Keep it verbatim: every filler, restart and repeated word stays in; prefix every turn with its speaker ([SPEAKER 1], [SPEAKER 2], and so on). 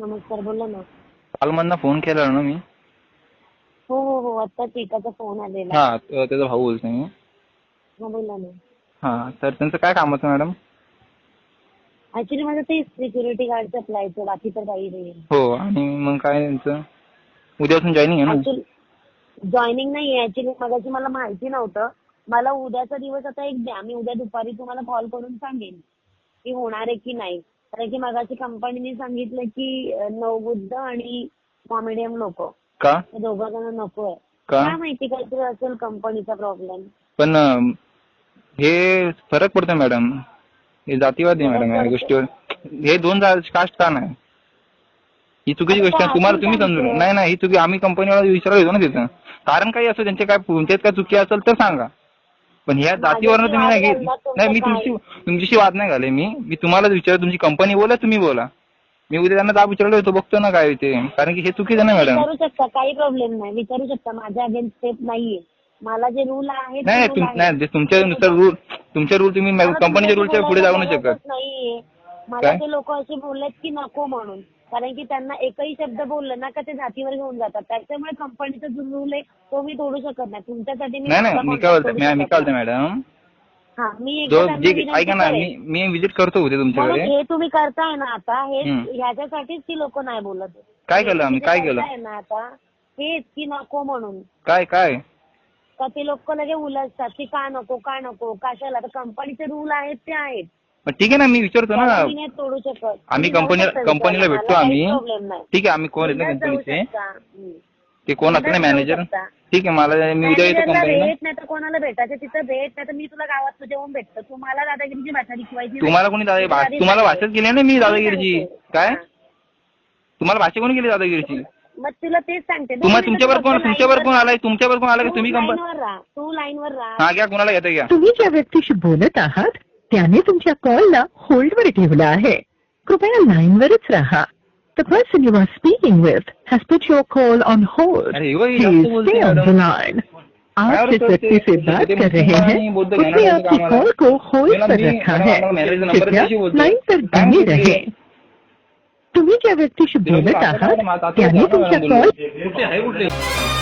[SPEAKER 1] नमस्कार, बोला ना.
[SPEAKER 2] कालमधनं फोन केला ना मी.
[SPEAKER 1] हो हो हो आत्ताच एकाचा फोन आलेला.
[SPEAKER 2] हा त्याचा भाऊ बोलतोय मी.
[SPEAKER 1] हा बोला ना.
[SPEAKER 2] हा तर त्यांचं काय काम होतं मॅडम?
[SPEAKER 1] ऍक्च्युली माझं ते सिक्युरिटी गार्डचं अप्लायचं, बाकी तर काही नाही.
[SPEAKER 2] हो आणि मग काय त्यांचं उद्यापासून जॉईनिंग आहे ना?
[SPEAKER 1] ऍक्च्युली जॉईनिंग नाही आहे. ऍक्च्युली मगाशी मला माहिती नव्हतं. मला उद्याचा दिवस आता एक द्या, मी उद्या दुपारी तुम्हाला कॉल करून सांगेन की होणार आहे की नाही. कारण की मगाशी कंपनीने सांगितलं की नवबुद्ध आणि कॉमेडियन लोक
[SPEAKER 2] का
[SPEAKER 1] दोघं जण नको आहे.
[SPEAKER 2] का
[SPEAKER 1] काय माहिती काहीतरी असेल कंपनीचा प्रॉब्लेम.
[SPEAKER 2] पण अं, हे फरक पडतो मॅडम. हे जातीवादी आहे मॅडम या गोष्टीवर. हे दोन कास्ट का नाही? ही चुकीची गोष्ट आहे. तुम्हाला तुम्ही समजून नाही नाही ही चुकी आम्ही कंपनीवाला विचारायला येतो ना तिथं. कारण काही असं त्यांचे काय तुमच्यात काय चुकी असेल तर सांगा. पण ह्या जातीवरनं तुम्ही नाही घेत. नाही मी तुमची तुमच्याशी वाद नाही घाले. मी मी तुम्हाला विचार तुमची कंपनी बोला तुम्ही बोला. मी उद्या त्यांना दाब विचारलो होतो बघतो ना काय ते. कारण की हे चुकीचं ना मॅडम.
[SPEAKER 1] विचारू शकता, काही प्रॉब्लेम नाही, विचारू शकता. माझ्या अगेन्स्ट स्टेप नाहीये. मला जे रूल आहे
[SPEAKER 2] नाही नाही तुमच्यानुसार रूल तुमचे रूल तुम्ही कंपनीच्या रूलच्या पुढे जाऊ नाही शकत.
[SPEAKER 1] नाहीये. मला ते लोक असे बोललेत की नको म्हणून. कारण की त्यांना एकही शब्द बोललं ना का ते जातीवर घेऊन जातात. त्याच्यामुळे कंपनीचा जो रूल आहे तो मी तोडू शकत नाही. तुमच्यासाठी मी
[SPEAKER 2] नाही नाही मी काय बोलतो मी काय बोलतो मॅडम.
[SPEAKER 1] हा मी
[SPEAKER 2] ऐका ना मी मी विजिट करतो उद्या तुमच्याकडे.
[SPEAKER 1] हे तुम्ही करताय ना आता हे ह्याच्यासाठीच ती लोक नाही बोलत.
[SPEAKER 2] काय केलं आम्ही काय केलं
[SPEAKER 1] ना आता हेच की नको म्हणून.
[SPEAKER 2] काय काय
[SPEAKER 1] का ते लोक लगे उलटतात की का नको का नको कशाला. तर कंपनीचे रूल आहेत ते आहेत.
[SPEAKER 2] ठीक आहे ना मी विचारतो ना.
[SPEAKER 1] तोडू शकत
[SPEAKER 2] आम्ही कंपनीला कंपनीला भेटतो आम्ही. ठीक आहे आम्ही कोण येतो कंपनीचे ते कोण असतं ना मॅनेजर. ठीक आहे मला मी उद्या येतो कंपनीला.
[SPEAKER 1] भेट नाही तर कोणाला भेटायचं तिथं भेट नाही तर मी तुला गावात तुझ्या येऊन भेटतो. तुम्हाला दादागिरीची भाषा शिकवायची.
[SPEAKER 2] तुम्हाला कोणी दादा तुम्हाला भाषाच केली ना मी दादागिरीची. काय तुम्हाला भाषा कोणी केली दादागिरीची?
[SPEAKER 1] मग तुला तेच सांगते.
[SPEAKER 2] तुम्हाला तुमच्यावर कोण तुमच्यावर कोण आलाय तुमच्यावर कोण आलाय तुम्ही
[SPEAKER 1] कंपनीवर राहा. तू लाईनवर राहा.
[SPEAKER 2] हा घ्या कोणाला घेता घ्या.
[SPEAKER 3] तुम्ही ज्या व्यक्तीशी बोलत आहात त्याने तुमच्या कॉलला होल्डवर ठेवला आहे. कृपया लाईनवरच राहा. The person you are speaking with has put your call on hold. Please stay on the line. आप जिस व्यक्ति से बात कर रहे हैं उसने आपकी कॉल को होल्ड पर रखा है. कृपया लाइन पर बने रहे. तुम्ही ज्या व्यक्तीशी बोलत आहात त्याने तुमच्या कॉल